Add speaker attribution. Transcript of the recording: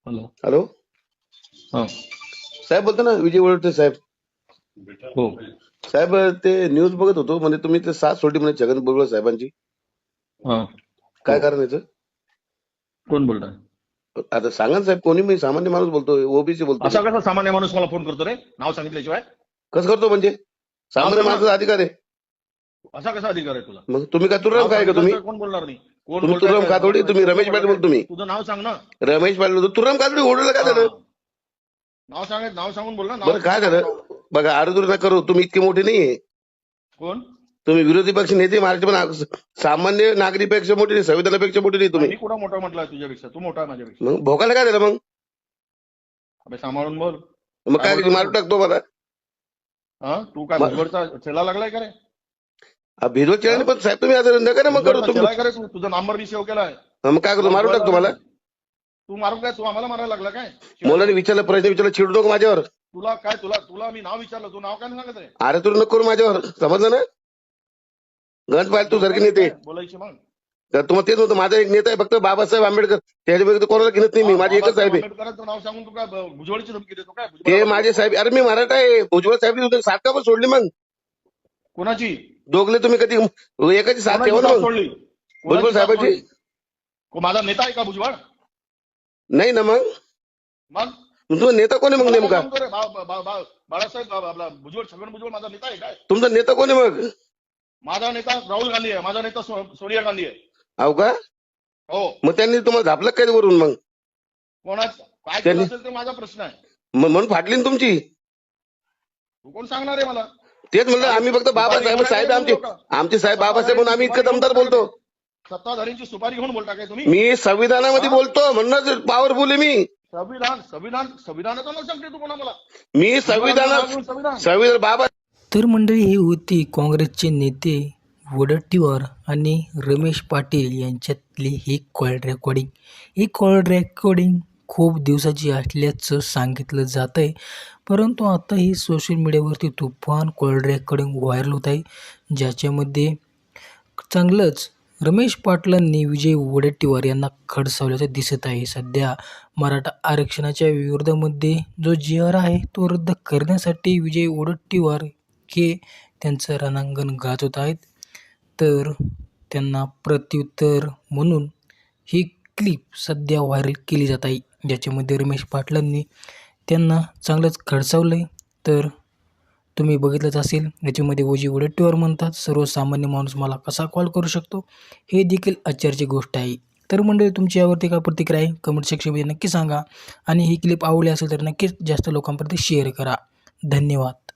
Speaker 1: Hello.
Speaker 2: Hello
Speaker 1: हां.
Speaker 2: साहेब बोलतो ना, विजय वळवटे साहेब.
Speaker 1: हो.
Speaker 2: साहेब ते न्यूज बघत होतो, म्हणजे तुम्ही ते साथ सोडली म्हणे छगन भुजबळ साहेबांची.
Speaker 1: हां.
Speaker 2: काय
Speaker 1: हो.
Speaker 2: कारण याचं?
Speaker 1: कोण बोलताय?
Speaker 2: आता सांगा ना साहेब, कोणी, मी सामान्य माणूस बोलतोय, ओबीसी बोलतो.
Speaker 1: असा कसा सामान्य माणूस मला फोन करतो रे नाव सांगितल्याशिवाय?
Speaker 2: कसं करतो म्हणजे? सामान्य
Speaker 1: सांगा.
Speaker 2: माणसाचा अधिकार आहे.
Speaker 1: असा कसा अधिकार आहे तुला?
Speaker 2: मग तुम्ही काय तुराम
Speaker 1: नाव
Speaker 2: काय का तुम्ही?
Speaker 1: सांगितल्याशिवाय कोण बोलणार नाही? कोण
Speaker 2: तुम्ही
Speaker 1: बोलताय
Speaker 2: तुराम
Speaker 1: काय?
Speaker 2: कातोडी, तुम्ही
Speaker 1: प्रश्न
Speaker 2: रमेश
Speaker 1: पडला
Speaker 2: पाटील
Speaker 1: काय?
Speaker 2: बोल तुम्ही.
Speaker 1: तुझं नाव सांग ना.
Speaker 2: रमेश पाटील बोलतो, तुराम कातोडी ओढलं काय झालं?
Speaker 1: नाव सांग, नाव सांगून बोल ना.
Speaker 2: बरं काय झालं? बघा, आरदूर नका करू, तुम्ही इतके मोठे नाहीये.
Speaker 1: कोण?
Speaker 2: तुम्ही विरोधी पक्ष नेते महाराष्ट्र, पण सामान्य नागरिकपेक्षा मोठे नाही, संविधानापेक्षा मोठे नाही तुम्ही.
Speaker 1: मी कुठं मोठा म्हटलं तुझ्यापेक्षा? तू मोठा आहे माझ्यापेक्षा.
Speaker 2: मग भोकायला काय झालं मग?
Speaker 1: अबे सांभाळून बोल.
Speaker 2: मग काय
Speaker 1: बोलतोय
Speaker 2: मारून
Speaker 1: तू?
Speaker 2: टाकतो मला?
Speaker 1: हा, तू काय भुजबळचा चेला लागलाय का रे?
Speaker 2: भिजवत चेहरा पण साहेब, तुम्ही असं नका ना मग करू
Speaker 1: भुजबळचा
Speaker 2: तुम्ही.
Speaker 1: चेला आहे का रे तू? तुझा नंबर मी सेव्ह केलाय.
Speaker 2: मग काय करतो, मारून टाकतो मला?
Speaker 1: तू मारून काय? तू आम्हाला मारायला लागला काय?
Speaker 2: मुलांनी विचारलं, प्रश्न विचारला, चिडू नको माझ्यावर.
Speaker 1: तुला काय, तुला मी नाव विचारलं, तू नाव काय नाही सांगत रे?
Speaker 2: अरे तू नको करू माझ्यावर, समजलं ना? गंज पाहिजे तू सारखे नेते.
Speaker 1: बोलायची मग.
Speaker 2: तर तुम्हाला तेच होतं, माझा एक नेता आहे फक्त बाबासाहेब आंबेडकर, त्याच्या व्यतिरिक्त कोणाला घेत नाही मी, माझी एकच साहेब आहे.
Speaker 1: आंबेडकरांचं नाव सांगून तू काय भुजबळची धमकी देतो काय?
Speaker 2: ते माझे साहेब, अरे मी मराठा आहे. भुजबळ साहेब साथ का पण सोडली मग?
Speaker 1: कोणाची?
Speaker 2: दोघले तुम्ही कधी एकाची साथ ठेवा ना मग.
Speaker 1: सोडली?
Speaker 2: भुजबळ साहेबाची
Speaker 1: माझा नेता आहे का भुजबळ?
Speaker 2: नाही ना. मग
Speaker 1: मग
Speaker 2: तुमचा नेता कोण आहे मग नेमका?
Speaker 1: बाळासाहेब आपला भुजबळ, छगन भुजबळ माझा नेता आहे काय?
Speaker 2: तुमचा नेता कोण आहे मग?
Speaker 1: माझा नेता राहुल गांधी आहे. माझा नेता सोनिया गांधी आहे.
Speaker 2: हो का?
Speaker 1: हो.
Speaker 2: मग त्यांनी तुम्हाला झापलं काय वरून? मग
Speaker 1: कोणाच काय केलं असेल ते माझा प्रश्न आहे.
Speaker 2: मग म्हणून फाटली ना तुमची.
Speaker 1: तू कोण सांगणार आहे मला?
Speaker 2: तेच म्हणलं, आम्ही फक्त बाबासाहेब साहेब, आमचे साहेब बाबासाहेब म्हणून आम्ही इतकं दमदार बोलतो.
Speaker 1: सत्ताधाऱ्यांची सुपारी घेऊन बोलता काय तुम्ही?
Speaker 2: मी संविधानामध्ये बोलतो, म्हणूनच पॉवरफुल आहे मी.
Speaker 1: संविधानाचं नाव सांगते तू कोणा मला?
Speaker 2: मी संविधान बाबा.
Speaker 3: तर मंडळी, हे होती काँग्रेसचे नेते वडेट्टीवार आणि रमेश पाटील यांच्यातली ही कॉल रेकॉर्डिंग. ही कॉल रेकॉर्डिंग खूप दिवसाची असल्याचं सांगितलं जात आहे, परंतु आता ही सोशल मीडियावरती तुफान कॉल रेकॉर्डिंग व्हायरल होत आहे, ज्याच्यामध्ये चांगलंच रमेश पाटलांनी विजय वडेट्टीवार यांना खडसावल्याचं दिसत आहे. सध्या मराठा आरक्षणाच्या विरोधामध्ये जो जी.आर. आहे तो रद्द करण्यासाठी विजय वडेट्टीवार हे त्यांचं रणांगण गाजवत आहेत. तर त्यांना प्रत्युत्तर म्हणून ही क्लिप सध्या व्हायरल केली जात आहे, ज्याच्यामध्ये रमेश पाटलांनी त्यांना चांगलंच खडसावलं आहे. तर तुम्ही बघितलंच असेल, याच्यामध्ये विजय वडेट्टीवार म्हणतात, सर्वसामान्य माणूस मला कसा कॉल करू शकतो, हे देखील आश्चर्याची गोष्ट आहे. तर मंडळी, तुमची यावरती काय प्रतिक्रिया आहे कमेंट सेक्शनमध्ये नक्की सांगा, आणि ही क्लिप आवडली असेल तर नक्कीच जास्त लोकांपर्यंत शेअर करा. धन्यवाद.